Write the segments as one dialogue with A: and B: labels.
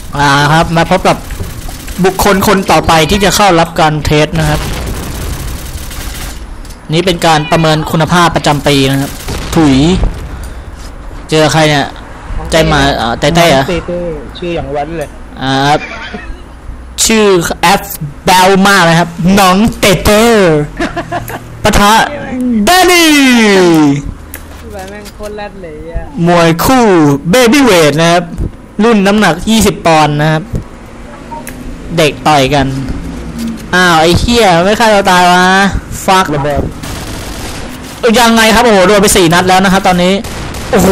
A: ครับมาพบกับบุคคลคนต่อไปที่จะเข้ารับการเทสนะครับนี้เป็นการประเมินคุณภาพประจำปีนะครับถุยเจอใครเนี่ยใจมาเต้ๆเหรอ
B: ชื่ออย่างวันเลย
A: ชื่อแอฟเบลมากนะครับน้องเต้ปะทะแดนนี่
C: แม่งโคตรแรดเลย
A: มวยคู่เบบี้เวทนะครับรุ่นน้ำหนัก20ปอนด์นะครับเด็กต่อยกันอ้าวไอ้เหี้ยไม่ฆ่าเราตายวะฟักระเบิดยังไงครับโอ้โหโดนไป4นัดแล้วนะครับตอนนี้โอ้โห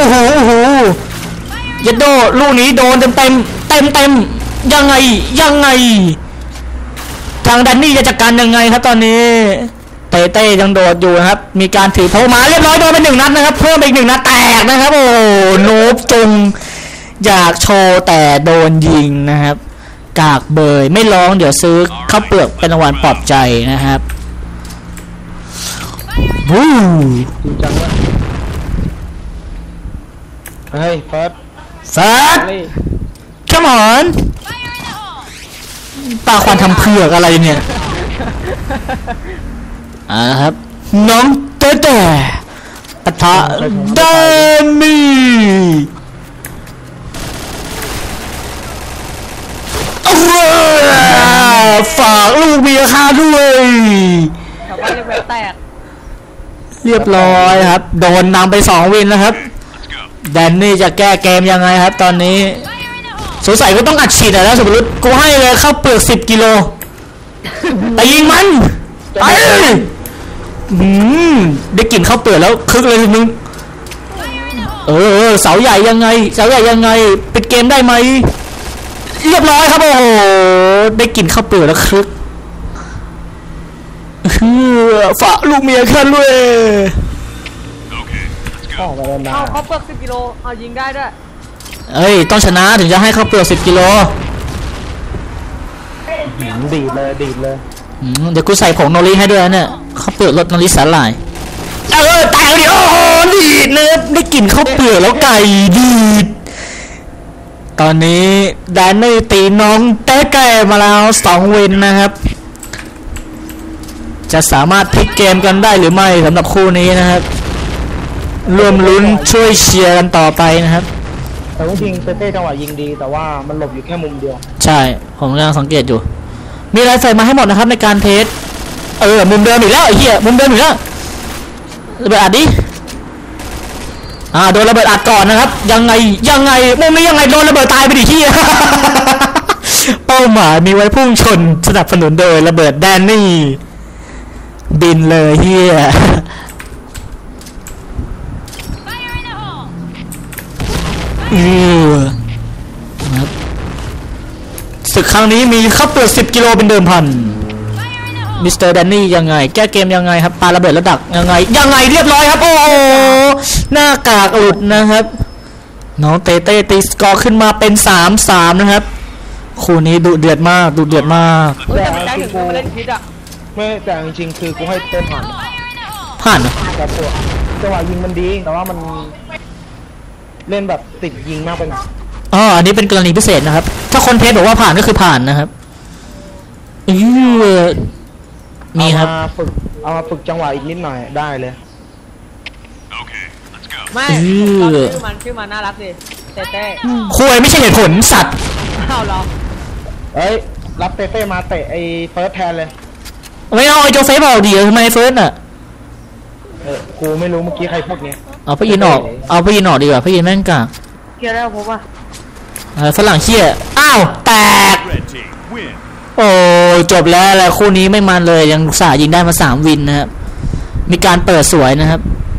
A: ยัดโดลูกนี้โดนเต็มยังไงทางแดนนี่จะจัดการยังไงครับตอนนี้เต้ยังโดดอยู่นะครับมีการถือโทมาเรียบร้อยโดนไป1นัดนะครับเพิ่มอีก1นัดแตกนะครับโอ้โนบจงอยากโชว์แต่โดนยิงนะครับกากเบยไม่ร้องเดี๋ยวซื้อข้าวเปลือกเป็นรางวัลปลอบใจนะครับวู้
B: จริงจังวะเฮ้ยเฟิร์ส
A: come on ตาควันทำเผือกอะไรเนี่ยครับน้องเต้ปะทะแดนนี่ฝากลูกเมียข้าด้วยเรียบร้อยครับโดนนำไป2วินแล้วครับแดนนี่จะแก้เกมยังไงครับตอนนี้สงสัยก็ต้องอัดฉีดแล้วสมมติกูให้เลยเข้าเปลือก10กิโลแต่ยิงมันไปได้กลิ่นข้าวเปลือกแล้วคึกเลยมึงเสาใหญ่ยังไงปิดเกมได้ไหมเรียบร้อยครับโอ้โหได้กลิ่นข้าวเปลือกแล้วคึกฝากลูกเมียขึ้นด้วย
C: เขาเปลือก10กิโลเอายิงได้ด้วย
A: ต้องชนะถึงจะให้ข้าวเปลือก10กิโล
B: ดีเลย
A: เดี๋ยวกูใส่ผงโนริให้ด้วยเนี่ยข้าวเปลือกรสโนริสาหร่ายแตกดิโอ้โหดีดเนื้อได้กลิ่นข้าวเปลือกแล้วไก่ดีดตอนนี้แดนนี่ตีน้องเต้แก่มาแล้ว2วินนะครับจะสามารถพลิกเกมกันได้หรือไม่สำหรับคู่นี้นะครับร่วมลุ้นช่วยเชียร์กันต่อไปนะครับ
B: แต่ว่าจริงเต้จังหวะยิงดีแต่ว่ามันหลบอยู่แค่มุมเดียว
A: ใช่ผมกำลังสังเกตอยู่มีอะไรใส่มาให้หมดนะครับในการเทสมุมเดิมอีกแล้วไอ้เหี้ยมุมเดิมอีกแล้วระเบิดอัดดิโดนระเบิดอัดก่อนนะครับยังไงมุมนี้ยังไงโดนระเบิดตายไปดิเหี้ยเป้าหมายมีไว้พุ่งชนสนับสนุนโดยระเบิดแดนนี่บินเลยเหี้ยศึกครั้งนี้มีข้าวเปลือก10กิโลเป็นเดิมพันมิสเตอร์แดนนี่ยังไงแก้เกมยังไงครับปาระเบิดแล้วดักยังไงเรียบร้อยครับโอ้โหหน้ากากหลุดนะครับน้องเต้ตีสกอร์ขึ้นมาเป็น3-3นะครับคู่นี้ดุเดือดมาก
C: แต่ไม่ถึงกูเล่นพิษ
B: ไม่แต่จริงๆคือกูให้เต้ผ่านแต่ตัวจังหวะยิงมันดีแต่ว่ามันเล่นแบบติดยิงมากไปหน่อย
A: อันนี้เป็นกรณีพิเศษนะครับถ้าคนเทสบอกว่าผ่านก็คือผ่านนะครับมีครับ
B: เอามาฝึกจังหวะอีกนิดหน่อยได้เลย
C: ไม่ชื่อมันน่ารักดิเต้
A: คุยไม่ใช่เหตุผลสัตว์
C: เหรอ
B: รับเต้มาเตะไอ้เฟิร์สแทนเลย
A: ไม่เอาไอ้โจเซฟเอาดีทำไมเฟิร์ส
B: กูไม่รู้เมื่อกี้ใครพูดเนี้ย
A: เอาพี่ยินออกดีกว่าพี่ยินแม่งกาก
C: เกียร์แล้วผมว่า
A: ฝรั่งเชี่ยแตกโอ้จบแล้วคู่นี้ไม่มันเลยยังสายิงได้มา3วินนะครับมีการเปิดสวยนะครับ